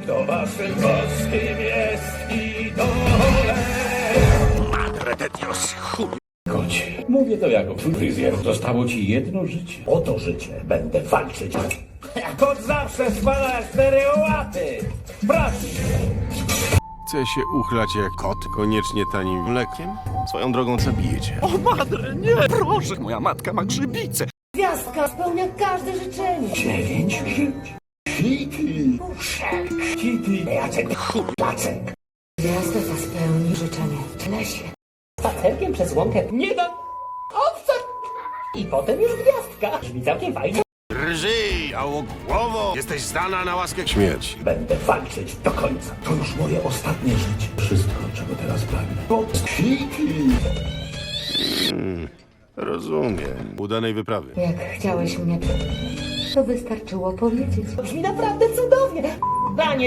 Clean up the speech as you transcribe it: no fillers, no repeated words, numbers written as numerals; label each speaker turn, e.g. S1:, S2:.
S1: To waszym boskim jest idole.
S2: Madre de Dios, chuj.
S1: Kocie, mówię to jako fryzjer. Zostało ci jedno życie. O to życie będę walczyć. Kot zawsze spada 4 łaty. Proszę.
S2: Chce się uchlać jak kot, koniecznie tanim mlekiem? Swoją drogą zabijecie.
S3: O madre, nie, proszę! Moja matka ma grzybice.
S4: Gwiazdka spełnia każde życzenie.
S1: 9 żyć. Kitty. Puszek. Kitty. Jacek. Jacek.
S4: Gwiazda ta spełni życzenie w lesie.
S5: Spacerkiem przez łąkę nie da owca i potem już gwiazdka. Brzmi całkiem fajnie.
S2: Drżyj, jałogłowo! Jesteś zdana na łaskę śmierci.
S1: Będę walczyć do końca. To już moje ostatnie życie. Wszystko, czego teraz pragnę. Kot. Kitty.
S2: Rozumiem. Udanej wyprawy.
S4: Jak chciałeś mnie, to wystarczyło powiedzieć.
S5: Brzmi naprawdę cudownie. Panie